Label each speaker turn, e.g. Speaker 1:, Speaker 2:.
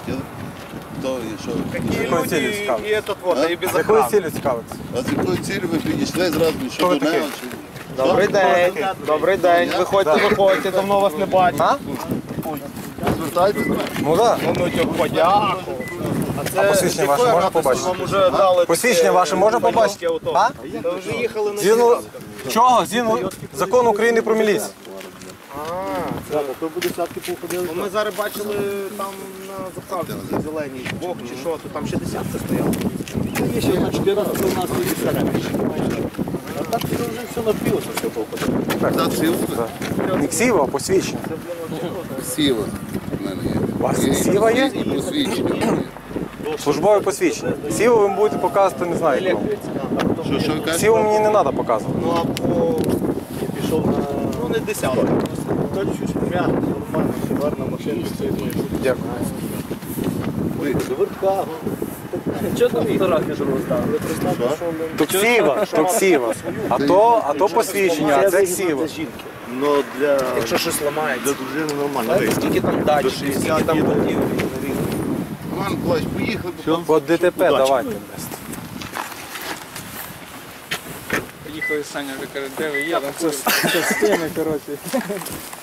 Speaker 1: хотіли? То і що?
Speaker 2: Такі люди і этот вот, і без
Speaker 3: З якою
Speaker 2: охрани.
Speaker 3: цілі цікавитися?
Speaker 1: А з якою цілею ви підійшли зразу, що
Speaker 3: ви
Speaker 1: до мене?
Speaker 3: такий?
Speaker 1: чи-
Speaker 2: Добрий день, добрий день, виходьте, виходьте, давно вас не бачу.
Speaker 3: А?
Speaker 1: Звертайтесь.
Speaker 3: Ну так.
Speaker 2: Ну, тьох, подяку. А
Speaker 3: посвідчення ваше можна побачити?
Speaker 2: Вам уже дали
Speaker 3: Посвідчення ваше можна побачити? А?
Speaker 2: Та вже їхали на
Speaker 3: Згідно чого? Згідно закону України про міліцію.
Speaker 2: Ну, ми зараз бачили там на заправці зеленій бок чи що, то там ще десятка стояла.
Speaker 4: Є ще одна 14 у нас і середньо. А так вже все напилося, все походило.
Speaker 1: Так, сіла?
Speaker 3: Не ксіва, а посвідчення.
Speaker 1: Сіла. В мене є.
Speaker 3: У вас ксіва є?
Speaker 1: І посвідчення.
Speaker 3: Службове посвідчення. Ксіву ви будете показувати, не знаю кому.
Speaker 1: Що ви кажете?
Speaker 3: Ксіву мені не треба показувати.
Speaker 2: Ну або
Speaker 4: Пішов на...
Speaker 2: ну не десятка.
Speaker 4: Та чуть м'яко, нормально, гарна машина стоїть.
Speaker 3: Дякую.
Speaker 4: До верха. Чого там фотографію другу ставили? Представте, що ми...
Speaker 3: То ксіва, то ксіва. А то посвідчення, а це ксіва.
Speaker 4: Ну, для...
Speaker 2: Якщо щось ламається.
Speaker 4: Для дружини нормально.
Speaker 2: Скільки там дачі, скільки там будів.
Speaker 1: Роман Миколаївич, поїхали.
Speaker 3: От ДТП давайте.
Speaker 5: Їхали Саня вже каже, де ви є?
Speaker 3: Це з теми, коротше.